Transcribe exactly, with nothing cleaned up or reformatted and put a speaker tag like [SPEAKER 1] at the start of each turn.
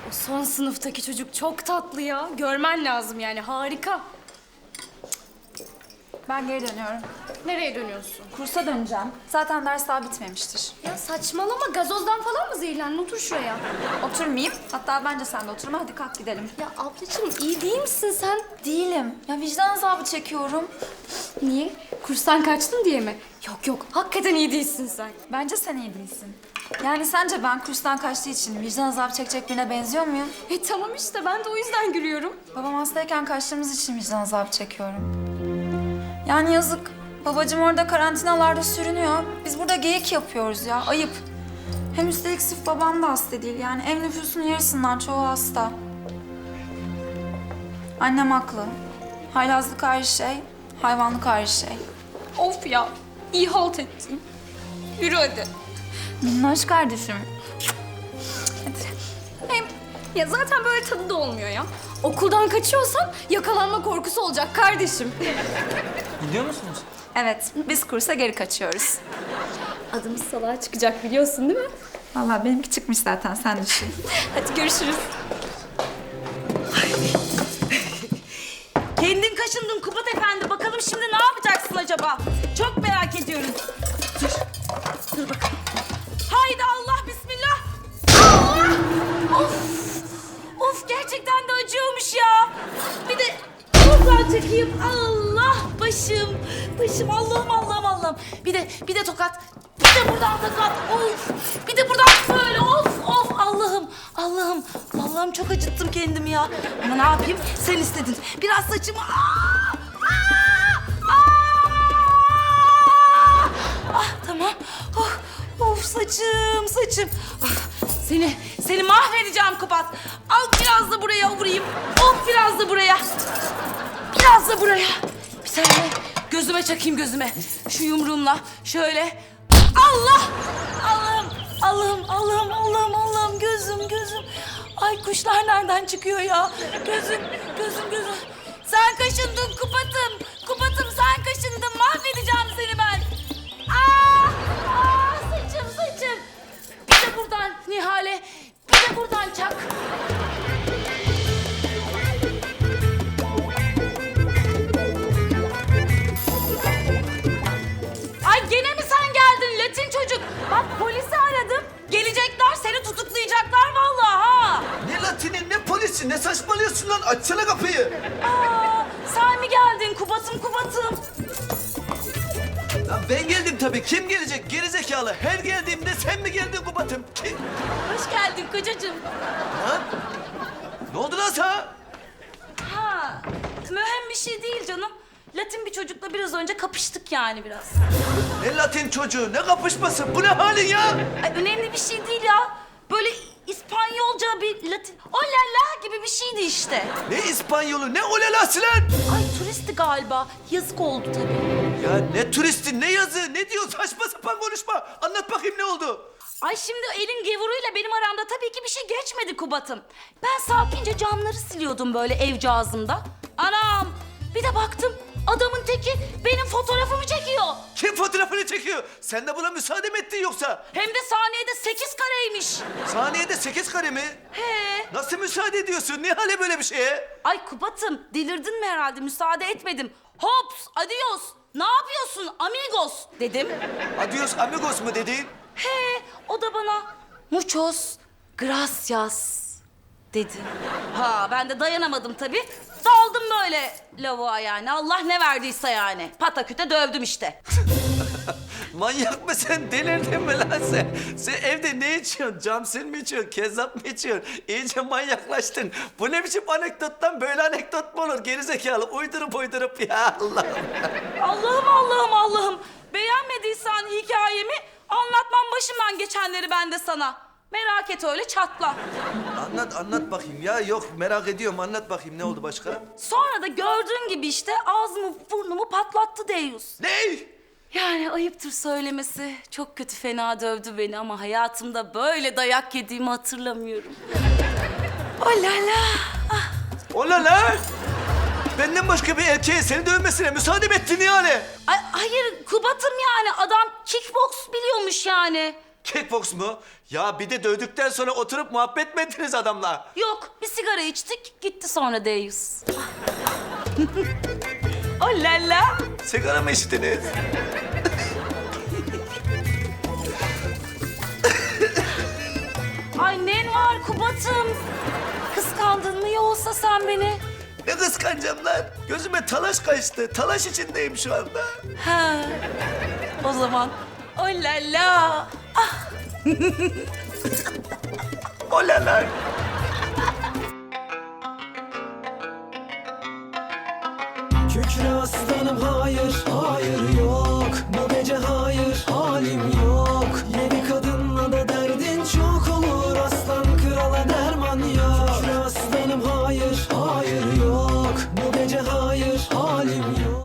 [SPEAKER 1] O son sınıftaki çocuk çok tatlı ya. Görmen lazım yani, harika.
[SPEAKER 2] Ben geri dönüyorum.
[SPEAKER 1] Nereye dönüyorsun?
[SPEAKER 2] Kursa döneceğim. Zaten ders daha bitmemiştir.
[SPEAKER 1] Ya saçmalama, gazozdan falan mı zehirlendin? Otur şuraya.
[SPEAKER 2] Oturmayayım. Hatta bence sen de oturma. Hadi kalk gidelim.
[SPEAKER 1] Ya ablacığım, iyi değil misin sen?
[SPEAKER 2] Değilim. Ya vicdan azabı çekiyorum.
[SPEAKER 1] Niye? Kurstan kaçtın diye mi? Yok yok, hakikaten iyi değilsin sen.
[SPEAKER 2] Bence sen iyi değilsin. Yani sence ben kurstan kaçtığı için vicdan azabı çekecek birine benziyor muyum?
[SPEAKER 1] E tamam işte, ben de o yüzden gülüyorum.
[SPEAKER 2] Babam hastayken kaçtığımız için vicdan azabı çekiyorum. Yani yazık. Babacığım orada karantinalarda sürünüyor. Biz burada geyik yapıyoruz ya. Ayıp. Hem üstelik sırf babam da hasta değil. Yani ev nüfusunun yarısından çoğu hasta. Annem haklı. Haylazlık ayrı şey, hayvanlık ayrı şey.
[SPEAKER 1] Of ya, iyi halt ettin. Yürü hadi.
[SPEAKER 2] Minnoş kardeşim. Hadi.
[SPEAKER 1] Hem ya zaten böyle tadı da olmuyor ya. Okuldan kaçıyorsan yakalanma korkusu olacak kardeşim.
[SPEAKER 3] Gidiyor musunuz?
[SPEAKER 2] Evet, biz kursa geri kaçıyoruz.
[SPEAKER 1] Adımız salağa çıkacak, biliyorsun değil mi?
[SPEAKER 2] Vallahi benimki çıkmış zaten, sen düşün.
[SPEAKER 1] Hadi görüşürüz.
[SPEAKER 4] Kendin kaşındın Kubat Efendi. Bakalım şimdi ne yapacaksın acaba? Çok merak ediyorum. Dur. Dur bakalım. Haydi Allah bismillah. Allah! Of! Of gerçekten de acıyormuş ya. Bir de buradan çekeyim. Allah başım. Başım Allah'ım Allah'ım Allah'ım. Bir de bir de tokat. Bir de buradan tokat. Of! Bir de buradan böyle of of Allah'ım Allah'ım. Allah'ım çok acıttım kendimi ya. Ama ne yapayım? Sen istedin. Biraz saçımı... Aa! Aa! Aa! Ah tamam. Oh, of saçım saçım. Ah, seni seni mahvedeceğim Kubat. Al biraz da buraya vurayım. Of biraz da buraya. Biraz da buraya. Bir saniye. Gözüme çakayım gözüme. Şu yumruğumla şöyle. Allah! Allah'ım, Allah'ım, Allah'ım, Allah'ım, Allah'ım. Gözüm, gözüm. Ay kuşlar nereden çıkıyor ya? Gözüm, gözüm, gözüm. Sen kaşındın Kubat'ım. Kubat'ım sen kaşındın. Mahvedeceğim seni ben. Aa! Aa! Saçım, saçım. Bir de buradan Nihale. Bir de buradan çak. Ay gene mi sen geldin Latin çocuk? Bak polisi aradım. Gelecekler seni tutuklayacaklar vallahi ha.
[SPEAKER 5] Ne latini ne polisi ne saçmalıyorsun lan, açsana kapıyı.
[SPEAKER 4] Aa, sen mi geldin Kubat'ım Kubat'ım?
[SPEAKER 5] Lan ben geldim tabii, kim gelecek gerizekalı, her geldiğimde sen mi geldin Kubat'ım? Kim?
[SPEAKER 4] Hoş geldin kocacığım.
[SPEAKER 5] Lan? Ne oldu lan sana?
[SPEAKER 4] Ha, mühim bir şey değil canım. Latin bir çocukla biraz önce kapıştık yani biraz.
[SPEAKER 5] Ne latin çocuğu, ne kapışması, bu ne halin ya?
[SPEAKER 4] Ay önemli bir şey değil ya. Böyle İspanyolca bir Latin... O la la gibi bir şeydi işte.
[SPEAKER 5] Ne İspanyolu, ne olelası lan?
[SPEAKER 4] Ay turisti galiba. Yazık oldu tabii.
[SPEAKER 5] Ya ne turisti, ne yazı, ne diyor, saçma sapan konuşma. Anlat bakayım ne oldu?
[SPEAKER 4] Ay şimdi elin gevuruyla benim aramda tabii ki bir şey geçmedi Kubat'ım. Ben sakince camları siliyordum böyle evcağızımda. Anam bir de baktım adamın teki benim fotoğrafımı çekiyor.
[SPEAKER 5] Kim fotoğrafını çekiyor? Sen de buna müsaade mi ettin yoksa?
[SPEAKER 4] Hem de saniyede sekiz kareymiş.
[SPEAKER 5] Saniyede sekiz kare mi?
[SPEAKER 4] He.
[SPEAKER 5] Nasıl müsaade ediyorsun? Ne hale böyle bir şeye?
[SPEAKER 4] Ay Kubat'ım delirdin mi herhalde müsaade etmedim. Hops adios ne yapıyorsun amigos dedim.
[SPEAKER 5] Adios amigos mu dedin?
[SPEAKER 4] He o da bana muchos gracias dedi. Ha ben de dayanamadım tabii. Daldım böyle lavuğa yani. Allah ne verdiyse yani. Pataküte dövdüm işte.
[SPEAKER 5] Manyak mısın? Delirdin mi lan sen? Sen evde ne içiyorsun? Camsil mi içiyorsun? Kezzap mı içiyorsun? İyice manyaklaştın. Bu ne biçim anekdottan böyle anekdot mu olur? Gerizekalı uydurup uydurup ya Allah'ım.
[SPEAKER 4] Allah'ım Allah'ım Allah'ım. Beğenmediysen hikayemi anlatmam başımdan geçenleri ben de sana. Merak et öyle çatla.
[SPEAKER 5] Anlat anlat bakayım ya. Yok merak ediyorum, anlat bakayım ne oldu başka?
[SPEAKER 4] Sonra da gördüğün gibi işte ağzımı burnumu patlattı Deyus.
[SPEAKER 5] Ne?
[SPEAKER 4] Yani ayıptır söylemesi. Çok kötü fena dövdü beni ama hayatımda böyle dayak yediğimi hatırlamıyorum. Oh la la. Ah.
[SPEAKER 5] Ola lan! Benden başka bir erkeğe seni dövmesine müsaade mi ettin yani?
[SPEAKER 4] Ay, hayır Kubat'ım yani adam kickbox biliyormuş yani.
[SPEAKER 5] Kickbox mu? Ya bir de dövdükten sonra oturup muhabbet mi ettiniz adamla?
[SPEAKER 4] Yok, bir sigara içtik, gitti sonra Deyus. Oh la la.
[SPEAKER 5] Sigara mı içtiniz?
[SPEAKER 4] Ay nen var Kubat'ım. Kıskandın mı yoksa sen beni?
[SPEAKER 5] Ne kıskanacağım lan? Gözüme talaş kaçtı. Talaş içindeyim şu anda.
[SPEAKER 4] Ha. O zaman oh la la.
[SPEAKER 5] Olalar.
[SPEAKER 6] Kükre aslan